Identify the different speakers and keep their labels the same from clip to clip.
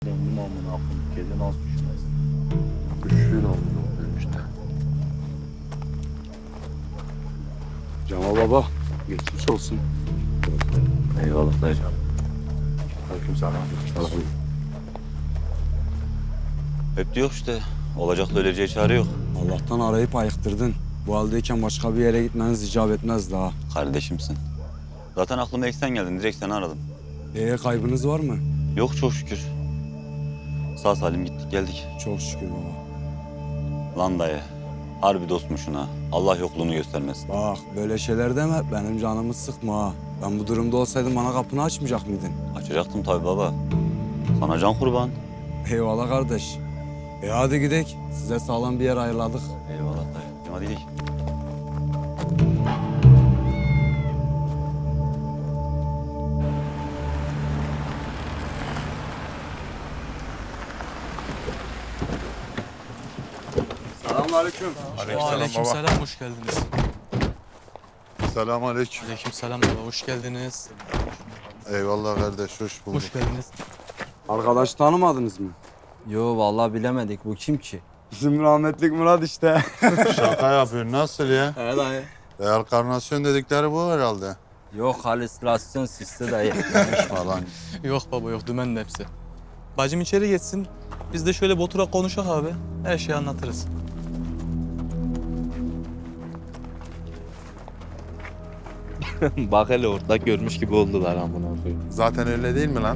Speaker 1: Döndüm amına koyayım. Kedi nasıl düşmez?
Speaker 2: Düşüyor amına koyayım işte.
Speaker 3: Cemal baba, geçmiş olsun.
Speaker 1: Eyvallah dayı.
Speaker 3: Aleykümselam.
Speaker 1: Hep diyor işte. Olacakla öleceği çare yok.
Speaker 4: Allah'tan arayıp ayıktırdın. Bu haldeyken başka bir yere gitmeniz icap etmez daha.
Speaker 1: Kardeşimsin. Zaten aklıma ilk sen geldin. Direkt seni aradım.
Speaker 4: Kaybınız var mı?
Speaker 1: Yok çok şükür. Sağ salim gittik geldik.
Speaker 4: Çok şükür baba.
Speaker 1: Lan dayı. Harbi dostmuşsun ha. Allah yokluğunu göstermesin.
Speaker 4: Bak böyle şeyler deme, benim canımı sıkma ha. Ben bu durumda olsaydım bana kapını açmayacak mıydın?
Speaker 1: Açacaktım tabii baba. Sana can kurban.
Speaker 4: Eyvallah kardeş. Hadi gidelim. Size sağlam bir yer ayarladık.
Speaker 1: Eyvallah dayı. Hadi gidelim.
Speaker 4: Selamünaleyküm.
Speaker 5: Aleykümselam, hoş geldiniz.
Speaker 2: Selamünaleyküm.
Speaker 5: Aleykümselam baba, hoş geldiniz.
Speaker 2: Eyvallah kardeş, hoş bulduk.
Speaker 5: Hoş geldiniz.
Speaker 4: Arkadaş tanımadınız mı?
Speaker 6: Yo vallahi bilemedik. Bu kim ki?
Speaker 4: Bizim rahmetlik Murat işte.
Speaker 2: Şaka yapıyorsun, nasıl ya?
Speaker 6: He dayı.
Speaker 2: Reenkarnasyon dedikleri bu herhalde.
Speaker 6: Yok halüsinasyon sistemi dayı.
Speaker 2: Falan.
Speaker 5: Yok baba yok, dümen de hepsi. Bacım içeri geçsin, biz de şöyle bir oturak konuşak abi. Her şeyi anlatırız.
Speaker 7: Bak hele orada görmüş gibi oldular amına koyayım.
Speaker 2: Zaten öyle değil mi lan?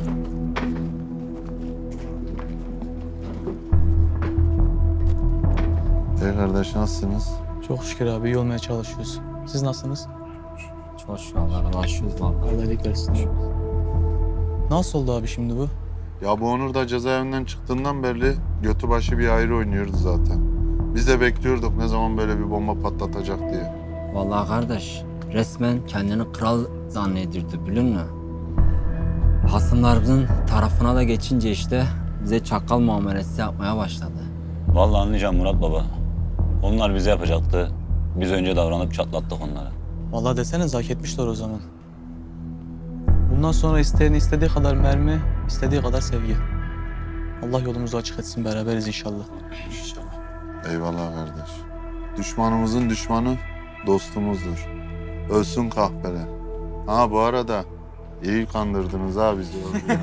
Speaker 2: Kardeş nasılsınız?
Speaker 5: Çok şükür abi, iyi olmaya çalışıyoruz. Siz nasılsınız?
Speaker 6: Çok şükür Allah'a başlıyoruz vallahi.
Speaker 5: Allah iyilik versin. Nasıl oldu abi şimdi bu?
Speaker 2: Ya bu Onur da cezaevinden çıktığından beri götü başı bir ayrı oynuyordu zaten. Biz de bekliyorduk ne zaman böyle bir bomba patlatacak diye.
Speaker 6: Vallahi kardeş resmen kendini kral zannedirdi biliyor musun? Hasımlarımızın tarafına da geçince işte bize çakal muamelesi yapmaya başladı.
Speaker 1: Vallahi anlayacağım Murat baba. Onlar bize yapacaktı. Biz önce davranıp çatlattık onlara.
Speaker 5: Vallahi deseniz hak etmişler o zaman. Bundan sonra isteyen istediği kadar mermi, istediği kadar sevgi. Allah yolumuzu açık etsin, beraberiz inşallah.
Speaker 2: Eyvallah kardeş. Düşmanımızın düşmanı dostumuzdur. Ölsün kahpeler. Ha bu arada iyi kandırdınız ha bizi.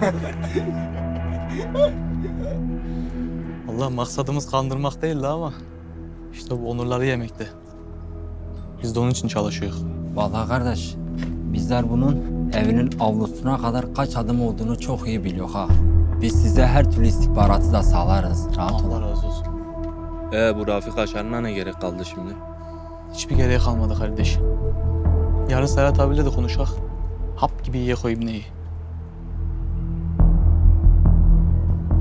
Speaker 5: Allah maksadımız kandırmak değildi ama işte bu onurları yemekti. Biz de onun için çalışıyoruz.
Speaker 6: Vallahi kardeş bizler bunun evinin avlusuna kadar kaç adım olduğunu çok iyi biliyor ha. Biz size her türlü istihbaratı da sağlarız. Rahat
Speaker 5: Allah
Speaker 6: olun.
Speaker 5: razı olsun.
Speaker 7: Bu Rafik Aşar'ına ne gerek kaldı şimdi?
Speaker 5: Hiçbir gereği kalmadı kardeş. Yarın Serhat abiyle de konuşak. Hap gibi yiye koyayım neyi.